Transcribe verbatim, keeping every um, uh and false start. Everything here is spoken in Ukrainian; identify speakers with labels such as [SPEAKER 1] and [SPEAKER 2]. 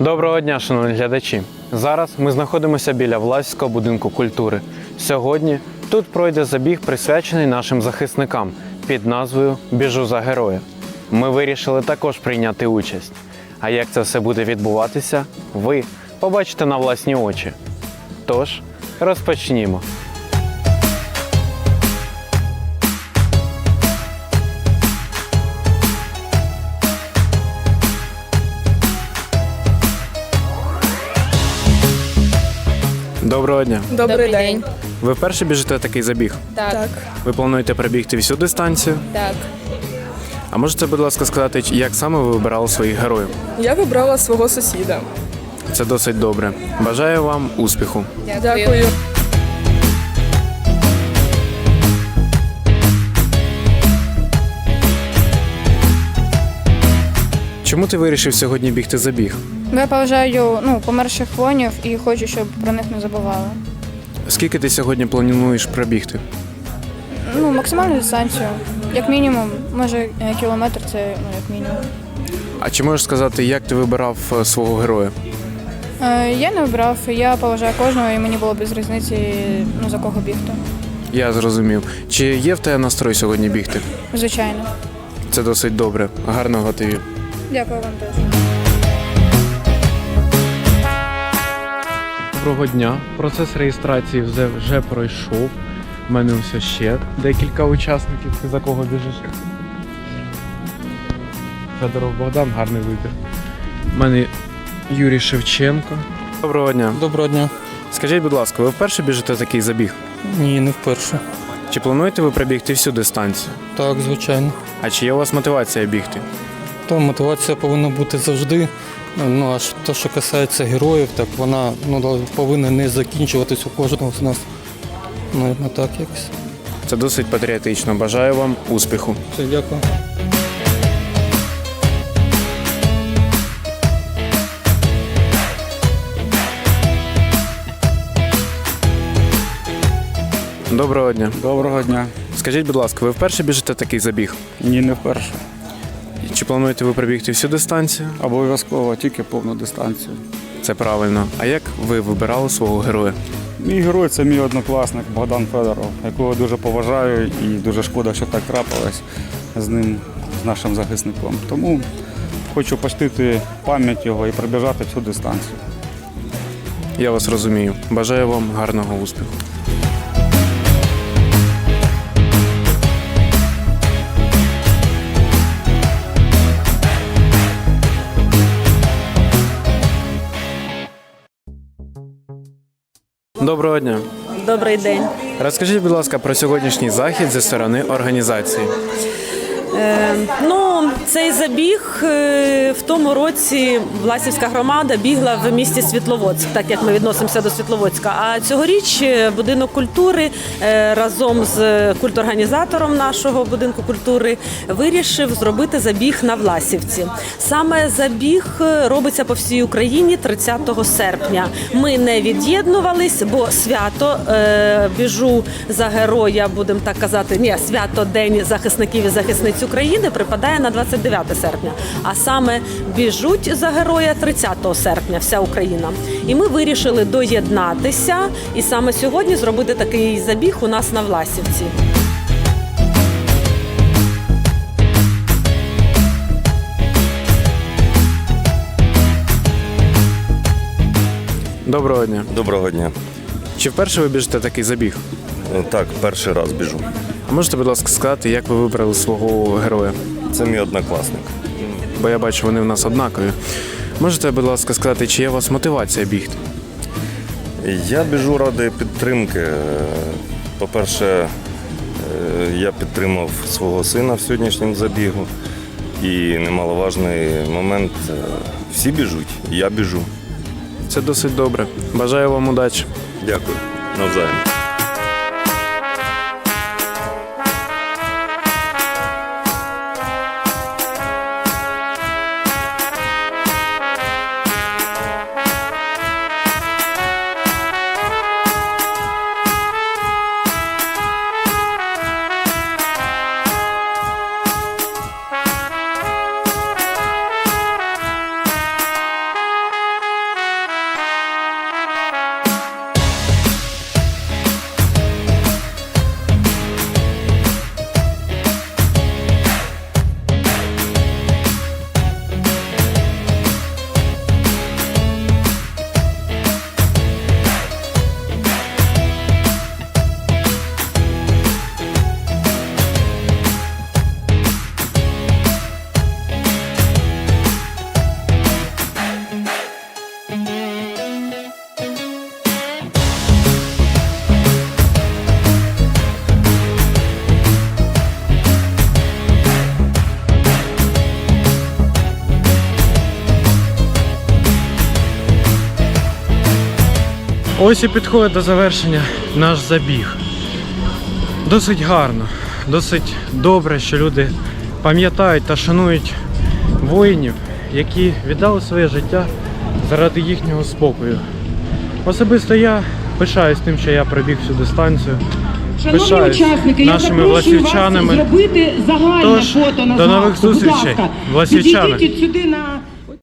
[SPEAKER 1] Доброго дня, шановні глядачі! Зараз ми знаходимося біля Власівського будинку культури. Сьогодні тут пройде забіг, присвячений нашим захисникам під назвою «Біжу за героя». Ми вирішили також прийняти участь. А як це все буде відбуватися, ви побачите на власні очі. Тож, розпочнімо. Доброго дня!
[SPEAKER 2] Добрий,
[SPEAKER 3] Добрий
[SPEAKER 2] день.
[SPEAKER 3] день.
[SPEAKER 1] Ви вперше біжите такий забіг?
[SPEAKER 3] Так,
[SPEAKER 2] Так.
[SPEAKER 1] Ви плануєте пробігти всю дистанцію?
[SPEAKER 3] так.
[SPEAKER 1] А можете, будь ласка, сказати, як саме ви вибирали своїх героїв?
[SPEAKER 2] Я вибрала свого сусіда.
[SPEAKER 1] Це досить добре. Бажаю вам успіху.
[SPEAKER 2] Дякую.
[SPEAKER 1] Чому ти вирішив сьогодні бігти забіг?
[SPEAKER 3] Бо я поважаю ну, померших воїнів і хочу, щоб про них не забували.
[SPEAKER 1] Скільки ти сьогодні плануєш пробігти?
[SPEAKER 3] Ну, максимальну дистанцію. Як мінімум, може е, кілометр це ну, як мінімум.
[SPEAKER 1] А чи можеш сказати, як ти вибирав е, свого героя?
[SPEAKER 3] Е, я не обрав, я поважаю кожного і мені було без різниці, ну, за кого бігти.
[SPEAKER 1] Я зрозумів. Чи є в тебе настрой сьогодні бігти?
[SPEAKER 3] Звичайно.
[SPEAKER 1] Це досить добре. Гарного тобі.
[SPEAKER 3] Дякую вам теж.
[SPEAKER 1] Доброго дня. Процес реєстрації вже, вже пройшов. У мене все ще декілька учасників. Ти за кого біжиш? Федоров Богдан, гарний вибір. У мене Юрій Шевченко. Доброго дня.
[SPEAKER 4] Доброго дня.
[SPEAKER 1] Скажіть, будь ласка, ви вперше біжите такий забіг?
[SPEAKER 4] Ні, не вперше.
[SPEAKER 1] Чи плануєте ви пробігти всю дистанцію?
[SPEAKER 4] Так, звичайно.
[SPEAKER 1] А чи є у вас мотивація бігти?
[SPEAKER 4] То мотивація повинна бути завжди. Ну, а ж те, що касається героїв, так вона ну, повинна не закінчуватись у кожного з нас. Ну, не так якось.
[SPEAKER 1] Це досить патріотично. Бажаю вам успіху.
[SPEAKER 4] Все, дякую.
[SPEAKER 1] Доброго дня.
[SPEAKER 5] Доброго дня.
[SPEAKER 1] Скажіть, будь ласка, ви вперше біжите такий забіг?
[SPEAKER 5] Ні, не вперше.
[SPEAKER 1] Чи плануєте ви пробігти всю дистанцію?
[SPEAKER 5] Обов'язково тільки повну дистанцію.
[SPEAKER 1] Це правильно. А як ви вибирали свого героя?
[SPEAKER 5] Мій герой це мій однокласник Богдан Федоров, якого дуже поважаю і дуже шкода, що так трапилось з ним, з нашим захисником. Тому хочу почтити пам'ять його і пробіжати всю дистанцію.
[SPEAKER 1] Я вас розумію. Бажаю вам гарного успіху. Доброго дня.
[SPEAKER 6] Добрий день.
[SPEAKER 1] Розкажіть, будь ласка, про сьогоднішній захід зі сторони організації.
[SPEAKER 6] Е, ну, цей забіг е, в тому році Власівська громада бігла в місті Світловодськ, так як ми відносимося до Світловодська. А цьогоріч будинок культури е, разом з культорганізатором нашого будинку культури вирішив зробити забіг на Власівці. Саме забіг робиться по всій Україні тридцятого серпня. Ми не від'єднувались, бо свято е, біжу за героя, будемо так казати, ні, свято День захисників і захисниць України припадає на двадцять дев'яте серпня, а саме біжуть за героя тридцятого серпня вся Україна. І ми вирішили доєднатися і саме сьогодні зробити такий забіг у нас на Власівці.
[SPEAKER 1] Доброго дня.
[SPEAKER 7] Доброго дня.
[SPEAKER 1] Чи вперше ви біжите такий забіг?
[SPEAKER 7] Так, перший раз біжу.
[SPEAKER 1] А можете, будь ласка, сказати, як ви вибрали свого героя?
[SPEAKER 7] Це мій однокласник.
[SPEAKER 1] Бо я бачу, вони в нас однакові. Можете, будь ласка, сказати, чи є у вас мотивація бігти?
[SPEAKER 7] Я біжу ради підтримки. По-перше, я підтримав свого сина в сьогоднішньому забігу. І немаловажний момент – всі біжуть, я біжу.
[SPEAKER 1] Це досить добре. Бажаю вам удачі.
[SPEAKER 7] Дякую. Навзаєм.
[SPEAKER 1] Ось і підходить до завершення наш забіг. Досить гарно, досить добре, що люди пам'ятають та шанують воїнів, які віддали своє життя заради їхнього спокою. Особисто я пишаюсь тим, що я пробіг всю дистанцію.
[SPEAKER 8] Шановні
[SPEAKER 1] Пишаюсь
[SPEAKER 8] учасники, я
[SPEAKER 1] нашими
[SPEAKER 8] запрошую вас
[SPEAKER 1] власівчанами.
[SPEAKER 8] зробити загальне
[SPEAKER 1] Тож,
[SPEAKER 8] фото на
[SPEAKER 1] до нових
[SPEAKER 8] згадку. Будь
[SPEAKER 1] зустрічей,
[SPEAKER 8] ласка,
[SPEAKER 1] власівчани.
[SPEAKER 8] підійдіть сюди на